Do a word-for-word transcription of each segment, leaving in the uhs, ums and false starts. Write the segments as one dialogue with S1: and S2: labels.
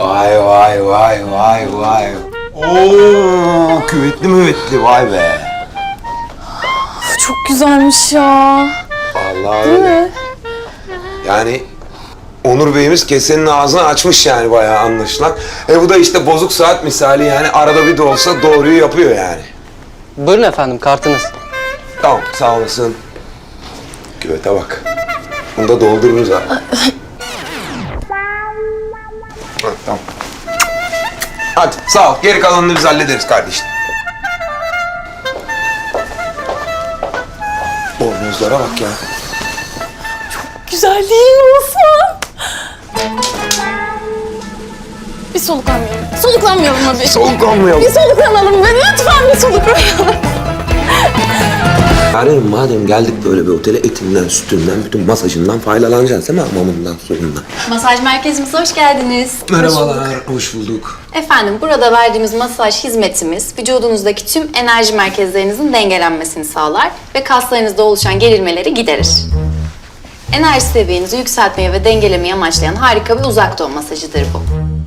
S1: Vay vay vay vay vay. Oo, küvetli müvetli vay be.
S2: Çok güzelmiş ya.
S1: Vallahi
S2: Değil
S1: öyle.
S2: mi?
S1: Yani Onur Bey'imiz kesenin ağzını açmış yani bayağı anlaşılan. E bu da işte bozuk saat misali yani arada bir de olsa doğruyu yapıyor yani.
S3: Buyurun efendim, kartınız.
S1: Tamam sağ olasın. Küvete bak. Bunu da doldururuz ha. Ha, tamam. Hadi sağ ol. Geri kalanını biz hallederiz kardeşim. Bornozlara bak ya.
S2: Güzel değil mi Osman? Bir soluklanmayalım. Soluklanmayalım mı bir?
S1: Soluklanmayalım.
S2: Bir soluklanalım be. Lütfen bir soluklanalım.
S1: Yani madem geldik böyle bir otele etinden, sütünden, bütün masajından faydalanacağız değil mi? Hamamından, suyundan.
S4: Masaj merkezimize hoş geldiniz.
S1: Merhabalar, hoş bulduk.
S4: Efendim, burada verdiğimiz masaj hizmetimiz vücudunuzdaki tüm enerji merkezlerinizin dengelenmesini sağlar ve kaslarınızda oluşan gerilmeleri giderir. Enerji seviyenizi yükseltmeyi ve dengelemeyi amaçlayan harika bir uzak doğu masajıdır bu.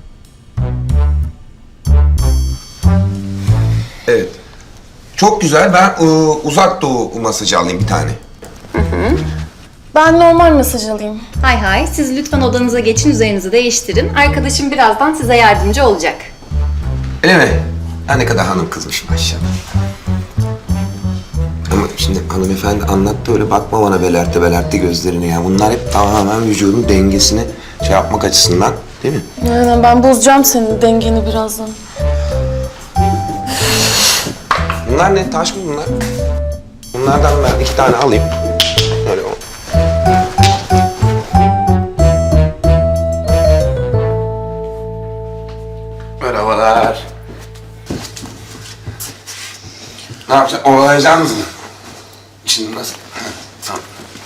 S1: Evet. Çok güzel. Ben ıı, uzak doğu masajı alayım bir tane.
S2: Ben normal masaj alayım.
S4: Hay hay, siz lütfen odanıza geçin, üzerinizi değiştirin. Arkadaşım birazdan size yardımcı olacak.
S1: Öyle mi? Ha, ne kadar hanım kızmış maşallah. Ama şimdi hanımefendi anlattı öyle bakma bana belerte belerte gözlerine ya. Bunlar hep tamamen vücudun dengesini şey yapmak açısından değil mi?
S2: Aynen, ben bozacağım senin dengeni birazdan.
S1: Bunlar ne? Taş mı bunlar? Bunlardan ben iki tane alayım. Öyle o. Merhabalar. Ne yapacaksın? Ovalayacaksınız mı? Şimdi nasıl? Tamam.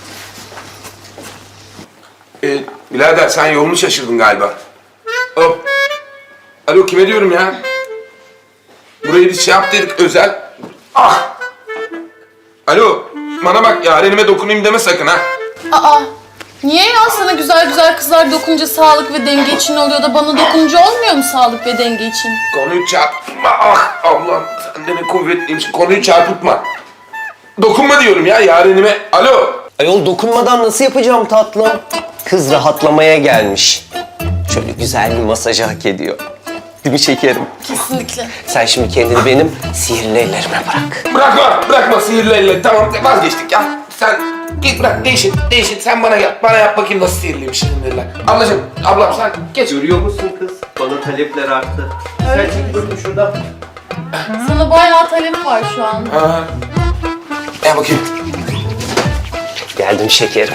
S1: Ee, birader sen yolunu şaşırdın galiba. Hop. Alo kime diyorum ya? Burayı biz şey yaptıydık özel. Ah! Alo, bana bak yarenime dokunayım deme sakın ha.
S2: Aa, niye ya? Sana güzel güzel kızlar dokununca sağlık ve denge için oluyor da bana dokununca olmuyor mu sağlık ve denge için?
S1: Konuyu çarpıtma. Ah Allah'ım sen de ne kuvvetliymişsin. Konuyu çarpıtma. Dokunma diyorum ya yarenime. Alo.
S3: Ayol dokunmadan nasıl yapacağım tatlım? Kız rahatlamaya gelmiş. Şöyle güzel bir masajı hak ediyor. Değil mi şekerim?
S2: Kesinlikle.
S3: Sen şimdi kendini benim sihirli ellerime bırak.
S1: Bırakma, bırakma sihirli elle. Tamam vazgeçtik ya. Sen git bırak değişin, değişin. Sen bana yap, bana yap bakayım nasıl sihirliymiş sihirli. Ablacığım, ablam sen geç.
S3: Görüyor musun kız? Bana talepler arttı. Sen çek bakayım şuradan.
S2: Sana bayağı talep var şu an.
S1: Ha. Gel bakayım.
S3: Geldim şekerim.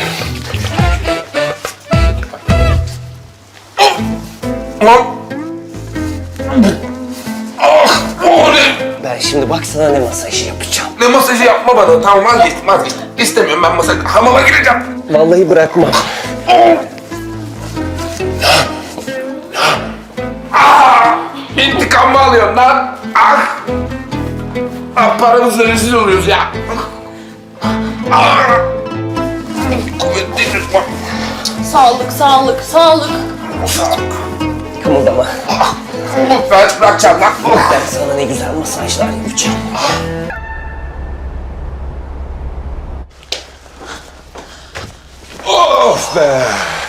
S1: Lan. Ah, o ne?
S3: Ben şimdi bak sana ne masajı yapacağım.
S1: Ne masajı yapma bana. Tamam vazgeçtim, vazgeçtim. İstemiyorum ben masaj. Hamama gireceğim.
S3: Vallahi bırakmam.
S1: Ah! İntikam mı alıyorsun lan? Ah! Ah paramızla rezil oluyoruz ya. Ah! Kuvvetli bak.
S2: Sağlık, sağlık, sağlık.
S3: Kımıldama.
S1: Ben bırakacağım lan.
S3: Ben sana ne güzel masajlar yapacağım.
S1: Of be.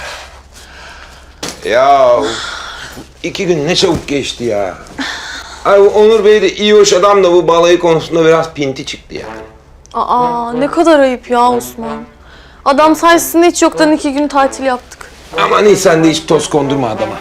S1: Ya iki gün ne çabuk geçti ya. Ay bu Onur Bey de iyi hoş adam da bu balayı konusunda biraz pinti çıktı yani.
S2: Aa, ne kadar ayıp ya Osman. Adam sayesinde hiç yoktan iki gün tatil yaptık.
S1: Aman iyi sen de hiç toz kondurma adama.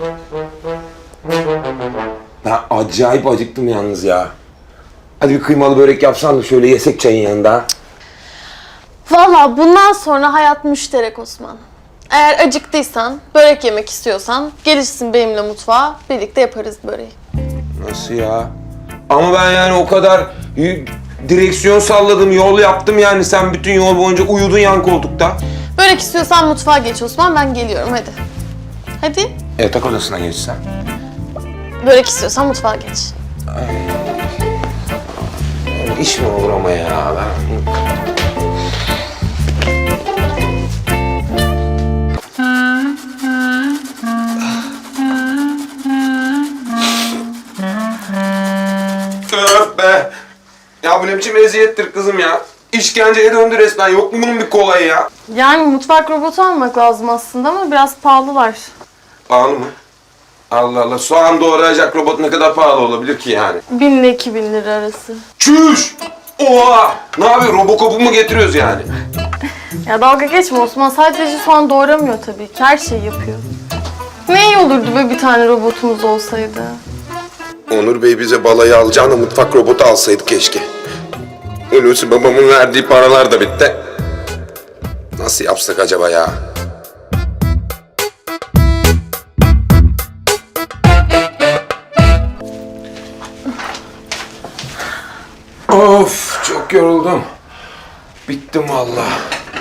S1: Ben acayip acıktım yalnız ya. Hadi bir kıymalı börek yapsan da şöyle yesek çayın yanında.
S2: Vallahi bundan sonra hayat müşterek Osman. Eğer acıktıysan, börek yemek istiyorsan gelirsin benimle mutfağa, birlikte yaparız böreği.
S1: Nasıl ya? Ama ben yani o kadar y- direksiyon salladım, yol yaptım yani sen bütün yol boyunca uyudun yan koltukta.
S2: Börek istiyorsan mutfağa geç Osman, ben geliyorum hadi. Hadi.
S1: Yatak odasına geçsen.
S2: Börek istiyorsan mutfağa geç.
S1: İş mi olur ama ya? Ben... biçim eziyettir kızım ya. İşkenceye döndü resmen. Yok mu bunun bir kolayı ya?
S2: Yani mutfak robotu almak lazım aslında ama biraz pahalılar.
S1: Pahalı mı? Allah Allah. Soğan doğrayacak robot ne kadar pahalı olabilir ki yani?
S2: Bin ile iki bin lira arası.
S1: Çüş! Oha! Ne yapıyor? Robocop'u mu getiriyoruz yani?
S2: Ya dalga geçme Osman. Sadece soğan doğramıyor tabii ki. Her şeyi yapıyor. Ne iyi olurdu böyle bir tane robotumuz olsaydı.
S1: Onur Bey bize balayı alacağına mutfak robotu alsaydı keşke. Hulusi babamın verdiği paralar da bitti. Nasıl yapsak acaba ya? Of, çok yoruldum. Bittim vallahi.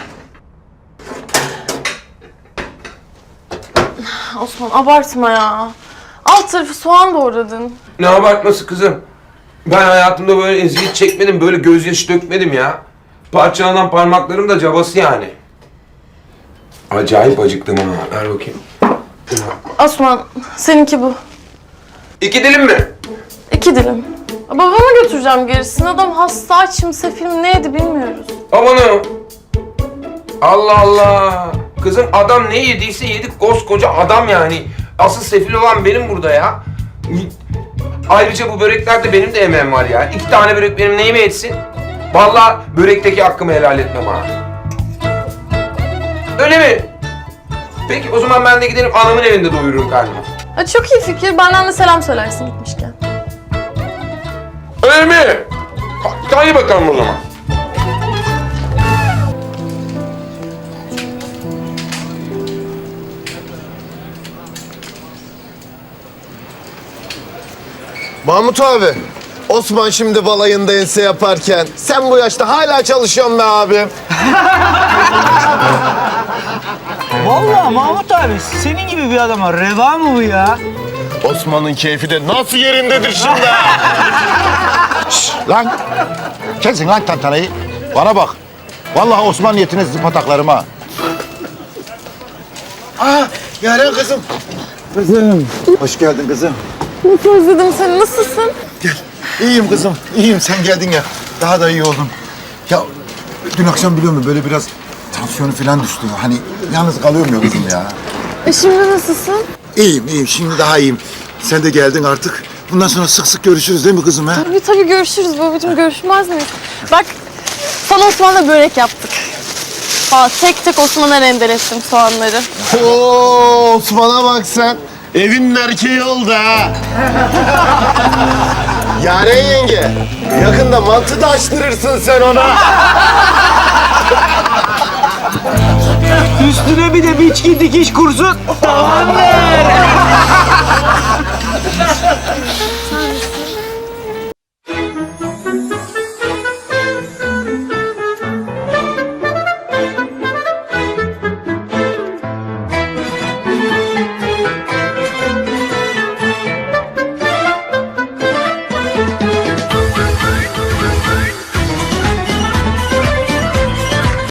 S2: Osman abartma ya. Alt tarafı soğan doğradın.
S1: Ne abartması kızım? Ben hayatımda böyle eziyet çekmedim, böyle gözyaşı dökmedim ya. Parçalanan parmaklarım da cabası yani. Acayip acıktım ha. Ver bakayım.
S2: Osman seninki bu.
S1: İki dilim mi?
S2: İki dilim. Babama götüreceğim gerisini. Adam hasta, açım, sefil mi neydi bilmiyoruz.
S1: Amanım. Allah Allah. Kızım adam ne yediyse yedik, koskoca adam yani. Asıl sefil olan benim burada ya. Ayrıca bu böreklerde benim de emeğim var ya. İki tane börek benim neyime etsin? Vallahi börekteki hakkımı helal etmem ha. Öyle mi? Peki o zaman ben de giderim anamın evinde doyururum karnımı.
S2: Ha, çok iyi fikir. Benden de selam söylersin gitmişken.
S1: Öyle mi? Ha, hadi bakalım o zaman.
S5: Mahmut abi, Osman şimdi balayında ense yaparken sen bu yaşta hala çalışıyorsun be abi.
S6: Vallahi Mahmut abi senin gibi bir adama reva mı bu ya?
S5: Osman'ın keyfi de nasıl yerindedir şimdi ha?
S7: Şşş, lan! Kesin lan tantanayı. Bana bak. Vallahi Osman niyetine sizi pataklarım ha.
S5: Aa, Yaren kızım. Kızım. Hoş geldin kızım.
S2: Nasıl özledim seni. Nasılsın?
S7: Gel. İyiyim kızım, iyiyim. Sen geldin ya. Daha da iyi oldum. Ya dün akşam biliyor musun böyle biraz tansiyonu falan düştü. Hani yalnız kalıyorum ya kızım ya.
S2: E şimdi nasılsın?
S7: İyiyim, iyiyim. Şimdi daha iyiyim. Sen de geldin artık. Bundan sonra sık sık görüşürüz değil mi kızım ha?
S2: Tabii tabii görüşürüz babacığım. Görüşmez miyiz? Bak sana Osman'la börek yaptık. Aa, tek tek Osman'a rendelettim soğanları.
S7: Oo, Osman'a bak sen. Evin erkeği oldu ha.
S5: Yaren yenge, yakında mantı da açtırırsın sen ona.
S6: Üstüne bir de biçki dikiş kursu. Tamamdır.